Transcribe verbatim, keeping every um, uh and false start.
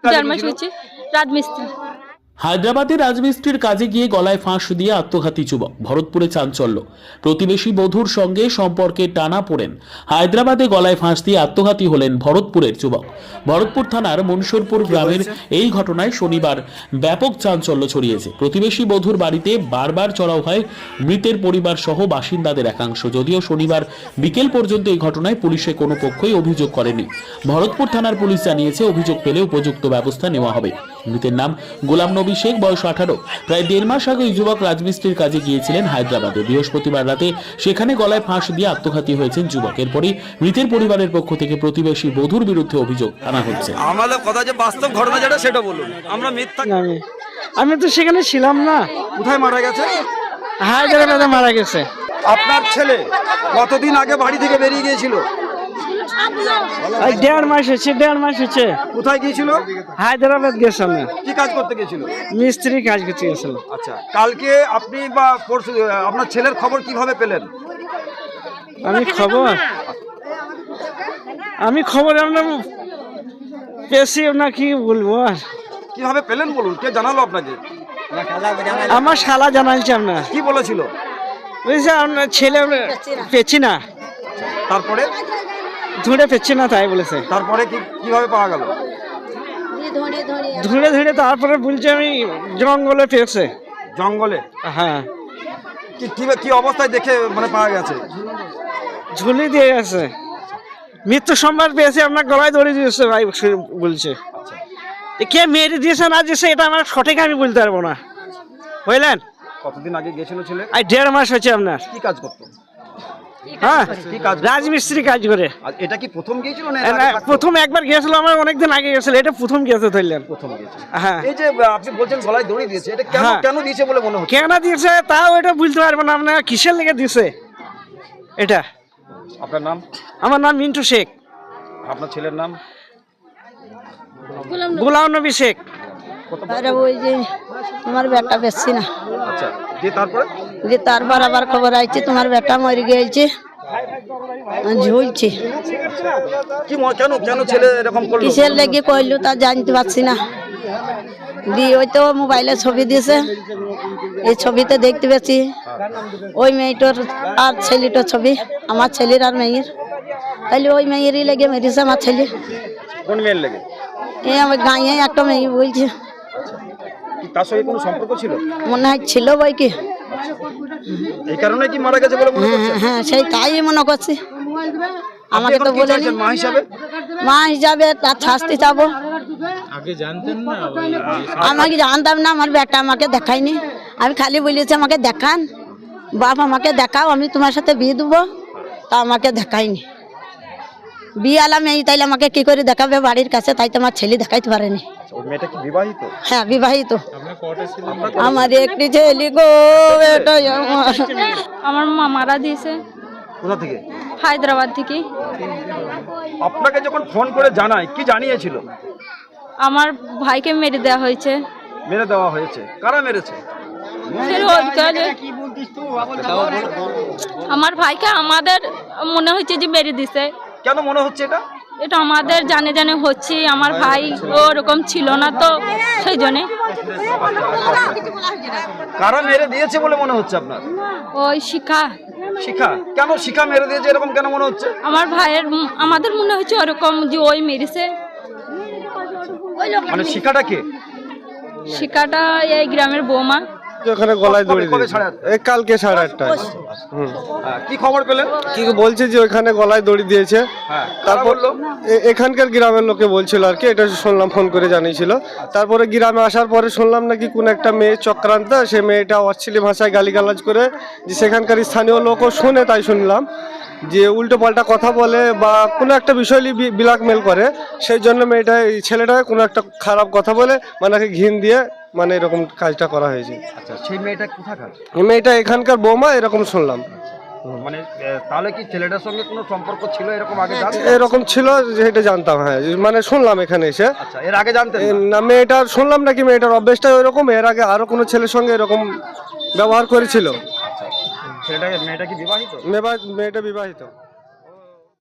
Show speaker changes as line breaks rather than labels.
চার মাস হয়েছে রাজমিস্ত্রি।
হায়দ্রাবাদে রাজমিস্ত্রির কাজে গিয়ে গলায় ফাঁস দিয়ে আত্মঘাতী যুবক, ভরতপুরে চাঞ্চল্য। প্রতিবেশী বধূর সঙ্গে সম্পর্কে টানা পড়েন হায়দ্রাবাদে গলায় ফাঁস দিয়ে আত্মঘাতী হলেন ভরতপুরের যুবক। ভরতপুর থানার মনসুরপুর গ্রামের এই ঘটনায় শনিবার ব্যাপক চাঞ্চল্য ছড়িয়েছে। প্রতিবেশী বধূর বাড়িতে বারবার চড়াও হয় মৃতের পরিবার সহ বাসিন্দাদের একাংশ। যদিও শনিবার বিকেল পর্যন্ত এই ঘটনায় পুলিশে কোনো পক্ষই অভিযোগ করেনি। ভরতপুর থানার পুলিশ জানিয়েছে, অভিযোগ পেলে উপযুক্ত ব্যবস্থা নেওয়া হবে। মৃতের নাম গোলাম নবী শেখ, বয়স আঠারো। প্রায় দেড় মাস আগে এই যুবক রাজমিস্ত্রির কাজে গিয়েছিলেন হায়দ্রাবাদে। বৃহস্পতিবার রাতে সেখানে গলায় ফাঁস দিয়ে আত্মঘাতী হয়েছেন যুবক। এরপরই মৃতের পরিবারের পক্ষ থেকে প্রতিবেশী বধূর বিরুদ্ধে অভিযোগ আনা হচ্ছে।
আমাদের কথা যে বাস্তব ঘটনা যেটা সেটা বলুন, আমরা মিথ্যা।
আমি আমি তো সেখানে ছিলাম না।
কোথায় মারা গেছে?
হায়দ্রাবাদে মারা গেছে।
আপনার ছেলে কতদিন আগে বাড়ি থেকে বেরিয়ে গিয়েছিল?
ওই দেড় মাস হচ্ছে দেড় মাস হচ্ছে
কোথায় গিয়েছিল?
হায়দ্রাবাদ গেছিলাম না।
কি কাজ করতে গিয়েছিল?
মিস্ত্রি কাজ করতে গেছিল।
আচ্ছা, কালকে আপনি বা পরশু আপনার ছেলের খবর কিভাবে পেলেন?
আমি খবর আমি খবর আমরা পেয়েছি না, কি বলবো আর।
কিভাবে পেলেন বলুন, কে জানালো আপনাকে?
আমার শালা জানাইছে আপনার।
কি বলেছিল?
বুঝছে আপনার ছেলে পেছি না,
তারপরে
ধুঁড়ে পেছি না তাই বলেছে।
তারপরে কি কিভাবে পাওয়া গেল?
ধুঁড়ে ধুঁড়ে তারপরে বলছে আমি জঙ্গলে পেয়েছে।
জঙ্গলে?
হ্যাঁ।
কি কি- কি অবস্থায় দেখে মানে পাওয়া গেছে?
ঝুলি দিয়ে গেছে। মৃত্যু সম্বাদ পেয়েছে, আপনার গলায় দড়ি দিয়েছে ভাই বলছে। কে মেরে দিয়েছে না দিয়েছে এটা আমার সঠিক আমি বলতে পারবো না, বুঝলেন।
কতদিন আগে গিয়েছিল ছেলে?
আর দেড় মাস হচ্ছে আপনার।
কি কাজ করতো?
হ্যাঁ,
কি কাজ?
রাজমিস্ত্রি কাজ করে।
আর এটা কি প্রথম গিয়েছিল না?
না, প্রথম একবার গিয়েছিল, আমার অনেকদিন আগে গেছিল, এটা প্রথম গিয়েছে ধরলেন।
প্রথম গিয়েছিল।
হ্যাঁ।
এই যে আপনি বলছেন গলায় দড়ি দিয়েছে, এটা কেন
হ্যাঁ।
কেন দিয়েছে বলে মনে হচ্ছে?
কেন দিয়েছে তাও এটা বলতে পারবো না, আপনার কিসের লেগে দিয়েছে এটা।
আপনার নাম?
আমার নাম মিন্টু শেখ।
আপনার ছেলের নাম?
গোলাম নবী শেখ।
আরে ওই যে তোমার বেটা বেশি না।
আচ্ছা, যে তারপরে
যে তারপর আবার খবর আইছে তোমার বেটা মরে গিয়েছে, ঝুলছে।
কি ম- কেন কেন ছেলে এরকম করলো?
কিসের লেগে কইলো তা জানতে পারছি না। দিয়ে ওই তো মোবাইলে ছবি দিয়েছে, এই ছবিতে দেখতে পেয়েছি ওই মেয়েটার আর ছেলেটার ছবি, আমার ছেলের আর মেয়ের। তাইলে ওই মেয়েরই লেগে মেরেছে আমার ছেলে।
কোন মেয়ের লেগে?
এই আমার গাঁয়ে একটা মেয়ে বলছে,
কি তার সঙ্গে কোনো সম্পর্ক ছিল?
মনে হয় ছিল বই কি।
এই কারণে কি মারা গেছে বলে মনে করছেন?
হ্যাঁ হ্যাঁ, সেই তাই মনে করছি। আমাকে তো
আপনি এখন কি
বলেনি
চাইছেন মা হিসাবে?
মা হিসাবে তার শাস্তি চাবো। আমাকে জানতাম না, আমার বেটা আমাকে দেখায়নি। আমি খালি বলেছি আমাকে দেখান, বাপ আমাকে দেখাও, আমি তোমার সাথে বিয়ে দেবো। তা আমাকে দেখায়নি। বিয়ে আলাম এই, তাইলে আমাকে কি করে দেখাবে বাড়ির কাছে? তাই তো আমার ছেলে দেখাইতে পারেনি।
ওই মেয়েটা কি বিবাহিত?
হ্যাঁ, বিবাহিত। আমার একটি ছেলে গো, এটাই আমার।
আমার মা মারা দিয়েছে
কোথা থেকে?
হায়দ্রাবাদ থেকে।
আপনাকে যখন ফোন করে জানায় কি জানিয়েছিল?
আমার ভাইকে মেরে দেওয়া হয়েছে।
মেরে দেওয়া হয়েছে? কারা মেরেছে?
সে রোজগার আমার ভাইকে আমাদের মনে হচ্ছে যে মেরে দিছে।
কেন মনে হচ্ছে এটা?
এটা আমাদের জানে জানে হচ্ছে। আমার ভাই ওরকম ছিল না তো, সেই জন্যে।
কারা মেরে দিয়েছে বলে মনে হচ্ছে আপনার?
ওই শিখা,
শিখা। কেন শিখা মেরে দিয়েছে এরকম কেন মনে হচ্ছে?
আমার ভাইয়ের আমাদের মনে হচ্ছে ওরকম যে ওই মেরেছে।
মানে শিখাটা কে?
শিখাটা এই গ্রামের বৌমা।
ওখানে গলায় দড়ি
কবে- কবে
দিয়েছে
সাড়ে আটটা?
এই কালকে সাড়ে আটটায়। হুম।
হ্যাঁ, কি খবর পেলেন?
কি বলছে যে ওখানে গলায় দড়ি দিয়েছে।
হ্যাঁ, কারা
তারপর
বললো?
এ- এখানকার গ্রামের লোকে বলছিল আর কি, এটা শুনলাম, ফোন করে জানিয়েছিল। তারপরে গ্রামে আসার পরে শুনলাম নাকি কোন একটা মেয়ে চক্রান্ত, সে মেয়েটা অশ্লীল ভাষায় গালিগালাজ করে, যে সেখানকার স্থানীয় লোকও শুনে, তাই শুনলাম যে উল্টো পাল্টা কথা বলে বা কোনো একটা বিষয় নিয়ে ব্ল্যাকমেল করে। সেই জন্য মেয়েটা, এই ছেলেটাকে কোনো একটা খারাপ কথা বলে মানে ঘিন দিয়ে মানে এরকম কাজটা করা হয়েছে।
আচ্ছা, সেই মেয়েটা কোথাকার?
এই মেয়েটা এখানকার বৌমা, এরকম শুনলাম।
মানে এ, তাহলে কি ছেলেটার সঙ্গে কোনো সম্পর্ক ছিল এরকম আগে জানতেন?
এরকম ছিল যেটা জানতাম, হ্যাঁ, মানে শুনলাম এখানে এসে।
আচ্ছা, এর আগে জানতেন
এ,
না?
না, মেয়েটার শুনলাম নাকি মেয়েটার অভ্যেসটা ওইরকম, এর আগে আরো কোনো ছেলের সঙ্গে এরকম ব্যবহার করেছিল।
ছেলেটাকে মেয়েটা কি বিবাহিত?
মেবা- মেয়েটা বিবাহিত।